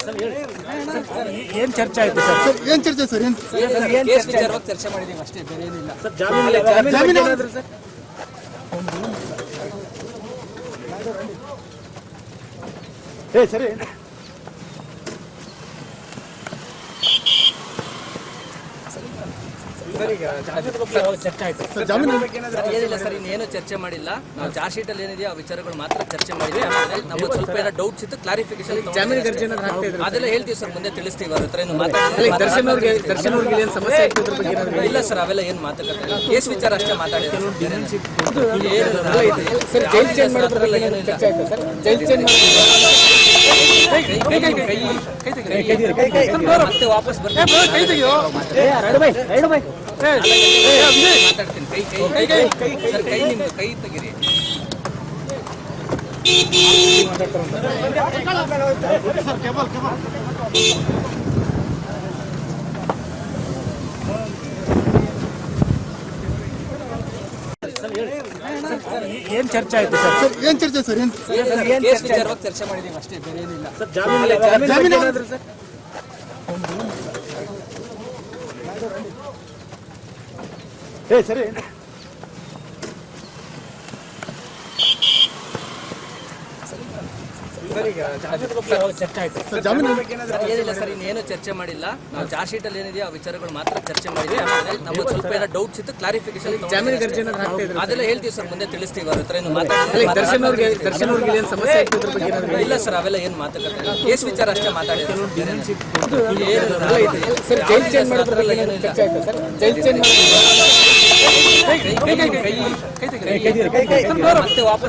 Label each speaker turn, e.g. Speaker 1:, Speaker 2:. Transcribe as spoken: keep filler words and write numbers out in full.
Speaker 1: ಏನ್ ಚರ್ಚೆ ಆಯ್ತು ಸರ್?
Speaker 2: ಏನ್ ಚರ್ಚೆ ಸರ್? ಏನ್
Speaker 3: ಕೇಸ್ ವಿಚಾರವಾಗಿ ಚರ್ಚೆ ಮಾಡಿದೀವಿ ಅಷ್ಟೇ, ಬೇರೆ ಏನಿಲ್ಲ
Speaker 1: ಸರ್. ಜಾಮೀನು ಜಾಮೀನು ಏನಾದ್ರು ಸರ್? ಏ ಸರಿ ಚರ್ಚೆ ಆಯ್ತು
Speaker 2: ಸರ್ ಜಾಮೀನು
Speaker 3: ಏನಿಲ್ಲ ಸರ್, ಇನ್ನೇನು ಚರ್ಚೆ ಮಾಡಿಲ್ಲ. ನಾವು ಚಾರ್ಜ್ ಶೀಟ್ ಅಲ್ಲಿ ಏನಿದೆಯೋ ಆ ವಿಚಾರಗಳು ಮಾತ್ರ ಚರ್ಚೆ ಮಾಡಿದ್ವಿ. ಆಮೇಲೆ ನಮಗೆ ಸ್ವಲ್ಪ ಏನೋ ಡೌಟ್ಸ್ ಇತ್ತು, ಕ್ಲಾರಿಫಿಕೇಶನ್
Speaker 4: ಜಾಮೀನು ಗರ್ಜೆ
Speaker 3: ಅದೆಲ್ಲ ಹೇಳ್ತೀವಿ ಸರ್, ಮುಂದೆ ತಿಳಿಸ್ತೀವಿ. ಅವ್ರ ಹತ್ರ ಏನು ಮಾತಾಡಿ
Speaker 4: ದರ್ಶನ್ ಅವ್ರಿಗೆ ದರ್ಶನ್ ಅವ್ರಿಗೆ ಏನು ಸಮಸ್ಯೆ ಆಯ್ತು ಅದ್ರ ಬಗ್ಗೆ ಏನಾದ್ರು
Speaker 3: ಇಲ್ಲ ಸರ್, ಅವೆಲ್ಲ ಏನು ಮಾತಾಡ್ತಾರೆ, ಕೇಸ್ ವಿಚಾರ ಅಷ್ಟೇ ಮಾತಾಡಿದ್ರು.
Speaker 4: ಸರ್ ಜೈಲ್ ಚೇಂಜ್ ಮಾಡೋದ್ರಲ್ಲಿ ಏನು ಚರ್ಚೆ ಆಯ್ತು ಸರ್? ಜೈಲ್ ಚೇಂಜ್
Speaker 3: ಮತ್ತೆ ವಾಪಸ್ ಬರ್ತೀನಿ, ಮಾತಾಡ್ತೀನಿ. ಕೈ ಕೈ ಸರ್, ಕೈ ನಿಮ್ದು ಕೈ ತೆಗೀರಿ.
Speaker 1: ಏನ್ ಚರ್ಚೆ ಆಯ್ತು ಸರ್?
Speaker 2: ಏನ್ ಚರ್ಚೆ ಸರ್? ಏನ್
Speaker 3: ಕೇಸ್ ವಿಚಾರವಾಗಿ ಚರ್ಚೆ ಮಾಡಿದೀವಿ ಅಷ್ಟೇ, ಬೇರೆ ಏನಿಲ್ಲ
Speaker 1: ಸರ್. ಜಾಮೀನು ಜಾಮೀನು ಏನಾದ್ರು ಸರ್? ಏ ಸರಿ ಚರ್ಚೆ ಆಯ್ತು
Speaker 2: ಸರ್ ಜಾಮೀನು
Speaker 3: ಏನಿಲ್ಲ ಸರ್, ಇನ್ನೇನು ಚರ್ಚೆ ಮಾಡಿಲ್ಲ. ನಾವು ಚಾರ್ಜ್ ಶೀಟ್ ಅಲ್ಲಿ ಏನಿದೆಯೋ ಆ ವಿಚಾರಗಳು ಮಾತ್ರ ಚರ್ಚೆ ಮಾಡಿದ್ವಿ. ಆಮೇಲೆ ನಮಗೆ ಸ್ವಲ್ಪ ಏನೋ ಡೌಟ್ಸ್ ಇತ್ತು, ಕ್ಲಾರಿಫಿಕೇಶನ್
Speaker 4: ಜಾಮೀನು ಗರ್ಜೆ
Speaker 3: ಅದೆಲ್ಲ ಹೇಳ್ತೀವಿ ಸರ್, ಮುಂದೆ ತಿಳಿಸ್ತೀವಿ. ಅವ್ರ ಹತ್ರ ಏನು ಮಾತಾಡಿ
Speaker 4: ದರ್ಶನ್ ಅವ್ರಿಗೆ ದರ್ಶನ್ ಅವ್ರಿಗೆ ಏನು ಸಮಸ್ಯೆ ಆಯ್ತು ಅದ್ರ ಬಗ್ಗೆ ಏನಾದ್ರು
Speaker 3: ಇಲ್ಲ ಸರ್, ಅವೆಲ್ಲ ಏನು ಮಾತಾಡ್ತಾರೆ, ಕೇಸ್ ವಿಚಾರ ಅಷ್ಟೇ ಮಾತಾಡಿದ್ರು.
Speaker 4: ಸರ್ ಜೈಲ್ ಚೇಂಜ್ ಮಾಡೋದ್ರಲ್ಲಿ ಏನು ಚರ್ಚೆ ಆಯ್ತು ಸರ್? ಜೈಲ್ ಚೇಂಜ್
Speaker 3: ಮತ್ತೆ ವಾಪಸ್